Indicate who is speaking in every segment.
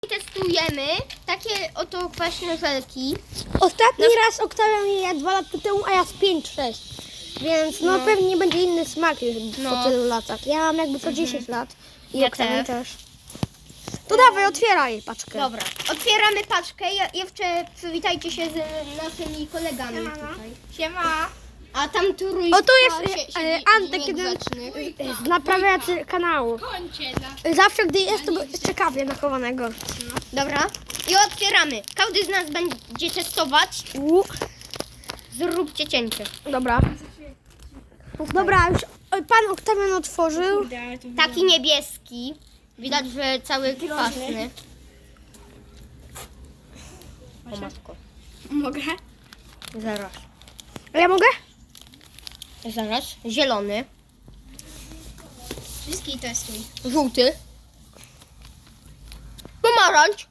Speaker 1: Testujemy takie oto kwaśne żelki.
Speaker 2: Ostatni raz Oktawia je jadł 2 lata temu, a ja z 5-6. Więc no pewnie będzie inny smak już po tylu latach. Ja mam jakby co 10 lat. I
Speaker 1: Ja
Speaker 2: Oktawia
Speaker 1: też.
Speaker 2: też. To dawaj, otwieraj paczkę.
Speaker 1: Dobra, otwieramy paczkę. Jeszcze przywitajcie się z naszymi kolegami tutaj.
Speaker 3: Siema.
Speaker 1: A tam trójka
Speaker 2: O, tu jest
Speaker 1: siedzi
Speaker 2: Antek, jeden
Speaker 1: niegrzeczny.
Speaker 2: z naprawiacy kanału.
Speaker 3: Kończę
Speaker 2: Zawsze gdy jest, to ciekawie nachowanego.
Speaker 1: Dobra, i otwieramy. Każdy z nas będzie testować. Zróbcie cięcie.
Speaker 2: Dobra. Dobra, już pan Oktawian otworzył.
Speaker 1: Taki niebieski. Widać, że cały kwaśny. O matko.
Speaker 3: Mogę?
Speaker 1: Zaraz.
Speaker 2: A ja mogę?
Speaker 1: Zaraz. Zielony.
Speaker 3: Wszystkich testuj.
Speaker 1: Żółty. Pomarańcz.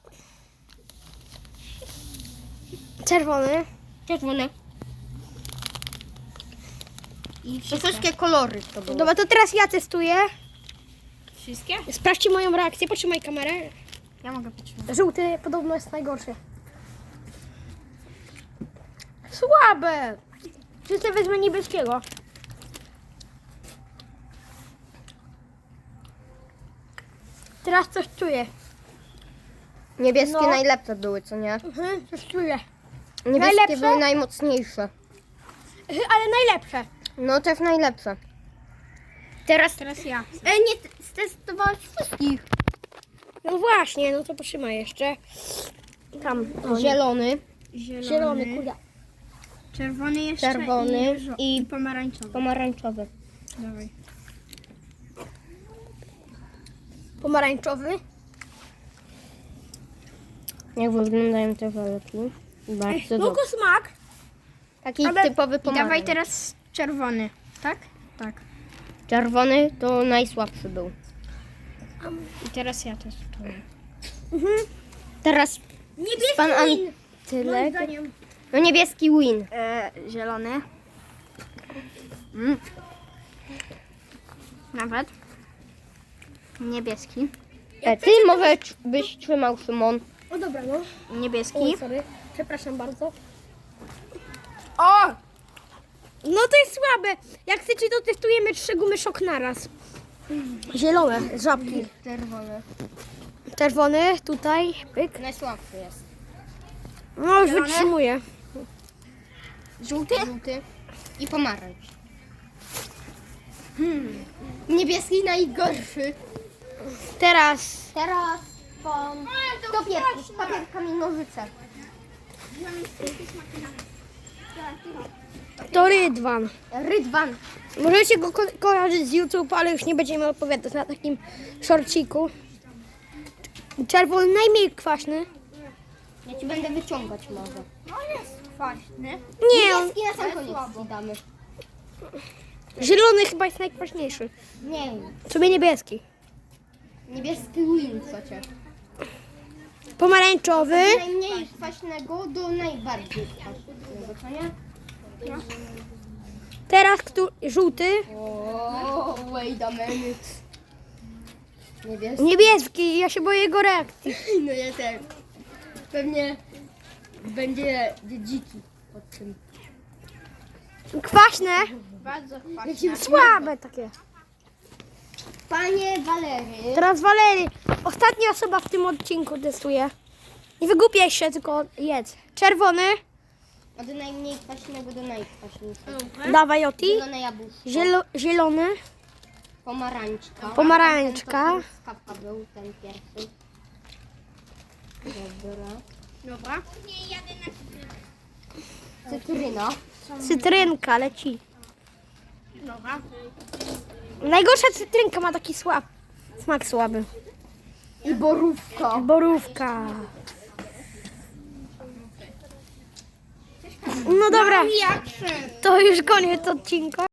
Speaker 2: Czerwony.
Speaker 1: Czerwony. I wszystkie kolory to były.
Speaker 2: Dobra, to teraz ja testuję.
Speaker 3: Wszystkie?
Speaker 2: Sprawdźcie moją reakcję. Potrzymaj kamerę.
Speaker 3: Ja mogę potrzymać.
Speaker 2: Żółty podobno jest najgorszy. Słabe. Wszyscy wezmę niebieskiego. Teraz coś czuję.
Speaker 1: Niebieskie
Speaker 2: No.
Speaker 1: najlepsze były, co nie?
Speaker 2: Coś czuję.
Speaker 1: Niebieskie
Speaker 2: Najlepsze?
Speaker 1: były najmocniejsze.
Speaker 2: Ale najlepsze.
Speaker 1: No też najlepsze. Teraz
Speaker 3: ja.
Speaker 1: nie stestowałeś wszystkich.
Speaker 2: No właśnie, no to potrzymaj jeszcze. Tam.
Speaker 1: Zielony,
Speaker 2: Zielony, kurde.
Speaker 3: Czerwony jeszcze
Speaker 1: czerwony
Speaker 3: i
Speaker 1: i
Speaker 3: pomarańczowy.
Speaker 1: pomarańczowy.
Speaker 3: Dawaj.
Speaker 2: Pomarańczowy.
Speaker 1: Jak wyglądają te żelki? Bardzo
Speaker 2: No
Speaker 1: dobrze.
Speaker 2: smak.
Speaker 1: Taki
Speaker 2: ale-
Speaker 1: typowy
Speaker 3: I
Speaker 1: pomarańcz.
Speaker 3: dawaj teraz czerwony. Tak? Tak.
Speaker 1: Czerwony to najsłabszy był.
Speaker 3: I teraz ja testuję.
Speaker 1: Teraz
Speaker 2: Niebieski
Speaker 1: pan
Speaker 2: win.
Speaker 1: Antylek.
Speaker 2: Zdaniem.
Speaker 1: No niebieski win.
Speaker 3: Zielony. Nawet. Niebieski.
Speaker 1: Ty może byś trzymał, Szymon.
Speaker 2: O dobra, no.
Speaker 3: Niebieski.
Speaker 2: Oj, sorry. Przepraszam bardzo.
Speaker 3: O!
Speaker 2: No to jest słabe. Jak chcecie, to testujemy 3 gumy szok naraz. Zielone, żabki.
Speaker 1: Czerwony.
Speaker 2: Czerwony, tutaj, pyk.
Speaker 1: Najsłabszy jest.
Speaker 2: No już
Speaker 3: Zielone?
Speaker 2: wytrzymuję.
Speaker 1: Żółty? Żółty. I pomarańcz. Niebieski najgorszy.
Speaker 2: Teraz
Speaker 1: Teraz pan... Kto pierwszy? Papier, kamień, nożyce.
Speaker 2: to Rydwan.
Speaker 1: Rydwan.
Speaker 2: Możecie go kojarzyć z YouTube, ale już nie będziemy odpowiadać na takim szorciku. Czerwony najmniej kwaśny.
Speaker 1: Ja ci będę wyciągać może.
Speaker 3: No jest kwaśny.
Speaker 2: Nie, on,
Speaker 1: Niebieski na sam koniec ci damy.
Speaker 2: zielony chyba jest najkwaśniejszy.
Speaker 1: Nie,
Speaker 2: Sobie niebieski.
Speaker 1: niebieski win przecież.
Speaker 2: Pomarańczowy.
Speaker 1: Od najmniej kwaśnego do najbardziej kwaśnego, co nie?
Speaker 2: Teraz żółty.
Speaker 1: O, wait a minute. Niebieski.
Speaker 2: Niebieski. Ja się boję jego reakcji.
Speaker 1: No ja też. Pewnie będzie dziki pod tym.
Speaker 2: Kwaśne.
Speaker 3: Bardzo kwaśny.
Speaker 2: Słabe takie.
Speaker 1: Panie Walery.
Speaker 2: Teraz Walery. Ostatnia osoba w tym odcinku testuje. Nie wygłupiaj się, tylko jedz. Czerwony.
Speaker 1: Od najmniej kwaśnego do najkwaśniejszego.
Speaker 2: Dawaj Oti.
Speaker 1: Zielone jabłuszko.
Speaker 2: Zielony.
Speaker 1: Pomarańczka.
Speaker 2: Pomarańczka.
Speaker 1: Ten to truskawka był ten pierwszy. Dobra.
Speaker 3: Dobra.
Speaker 1: Cytryna.
Speaker 2: Cytrynka leci.
Speaker 3: Dobra.
Speaker 2: Najgorsza cytrynka ma taki smak słaby.
Speaker 1: I borówka.
Speaker 2: Borówka. No dobra,
Speaker 3: Jak
Speaker 2: to już koniec odcinka.